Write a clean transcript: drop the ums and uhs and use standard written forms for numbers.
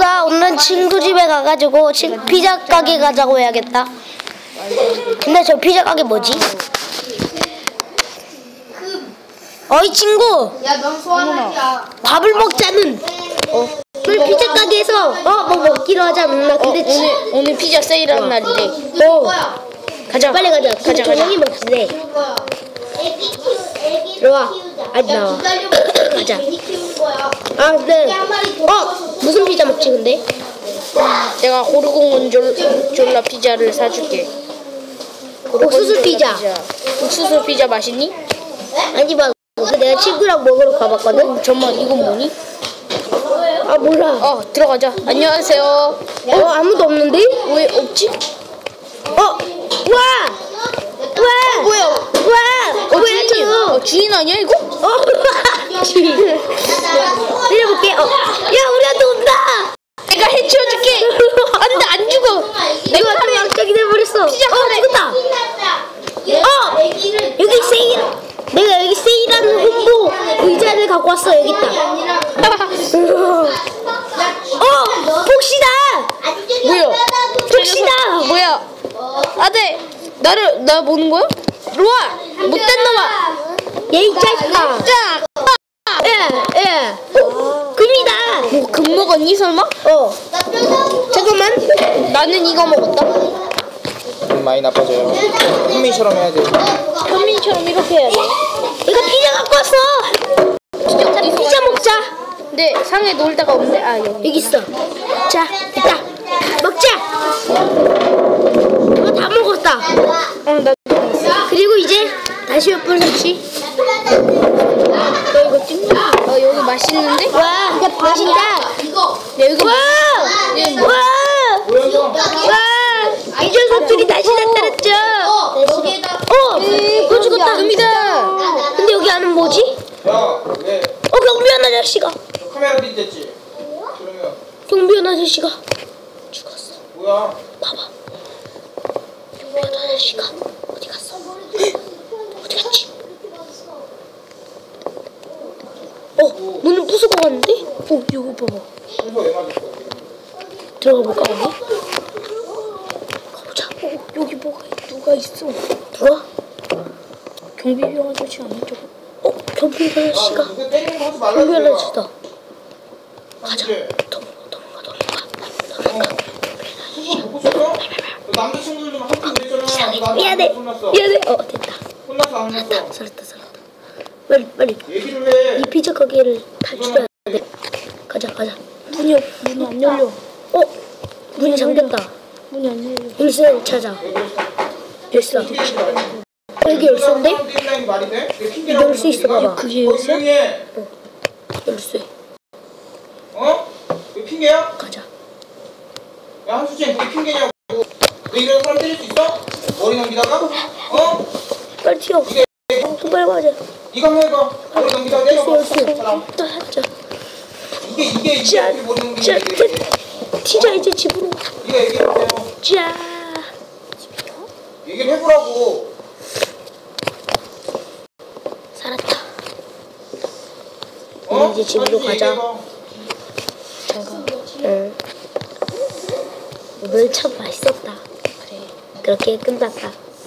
친구다. 오늘은 친구 집에 가가지고 피자 가게 가자고 해야겠다. 근데 저 피자 가게 뭐지? 어이 친구. 밥을 먹자는. 오늘 피자 가게에서 뭐 먹기로 하자. 근데 오늘 피자 세일하는 날이래. 가자. 빨리 가자. 가자. 저녁이 먹지. 들어와. 아직 나와. 가자. 아 근데 무슨 피자 먹지 근데? 내가 고르곤졸라 피자를 사줄게. 옥수수 피자. 옥수수 피자 맛있니? 아니 막 내가 친구랑 먹으러 가봤거든. 잠깐만 이건 뭐니? 아 몰라. 들어가자. 안녕하세요. 아무도 없는데? 왜 없지? 뭐야? 뭐야 저? 주인 아니야 이거? 주인. 내려볼게. 야 우리한테 온다. 내가 해치워줄게. 안돼 안 죽어. 내가 칼에 양쪽이 돼버렸어. 피자 칼에. 죽었다. 여기 세일. 내가 여기 세일하는 홍보 의자를 갖고 왔어. 여기 있다. 복시다. 뭐야? 복시다. 뭐야? 아들 나 보는 거야? 로아 못된 놈아. 얘이 자식아. 자. 예. 금이다. 뭐 금 먹었니 설마? 잠깐만. 나는 이거 먹었다. 많이 나빠져요. 현민처럼 해야 돼. 현민처럼 이렇게 해야 돼. 내가 피자 갖고 왔어. 피자 먹자. 근데 상에 놓을 데가 없는데 여기 있어. 자, 있다. 먹자. 이거 다 먹었다. 나 그리고 이제 다시 몇 분 설치. 너 이거 찍냐? 여기 맛있는데? 와, 맛있다. 여기 이 녀석들이 다시 나타났죠. 너 죽었다. 금이다. 근데 여기 안은 뭐지? 야, 왜? 경비원 아저씨가. 카메라 빗댔지? 그러면 경비원 아저씨가 죽었어. 뭐야? 봐봐. 경비원 아저씨가 어디 갔어? 어디 갔지? 문을 부수고 갔는데? 이거 봐봐. 순서 왜 맞을 거야? 들어가 볼까 언니? 가보자. 여기 누가 있어? 누가? 경비병 아저씨 아닌 저거? 경비원 아저씨가. 누가 때리는 거 하지 말라고. 경비원 아저씨다. 가자. 이제. 도망가. 그거 보고 싶어? 남자친구들 좀 학교 그랬잖아. 미안해. 혼났어. 됐다. 혼났어 안 혼났어? 살았다. 빨리. 얘기를 해. 이 피자 가게를 탈출해야 돼. 가자. 문이 안 열려. 문이 잠겼다. 문이 안 열려. 열쇠를 찾아. 열쇠. 여기 열쇠인데? 말이 돼? 열 수 있어 봐봐. 그게 열쇠야? 열쇠. 이거 핑계야? 가자. 야 한수진 그게 핑계냐고. 너 이런 사람 때릴 수 있어? 머리 넘기다가? 빨리 튀어. 빨리 가자. 이거 한번 해봐. 머리 넘기다가 때려봐. 열쇠. 사람. 또 하자. 이게 어떻게 머리 넘기는 얘기. 튀자 이제 집으로. 네가 얘기해보세요. 자. 얘기를 해보라고. 살았다. 이제 집으로 가자. 잠깐. 오늘 참 맛있었다. 그래. 그렇게 끝났다.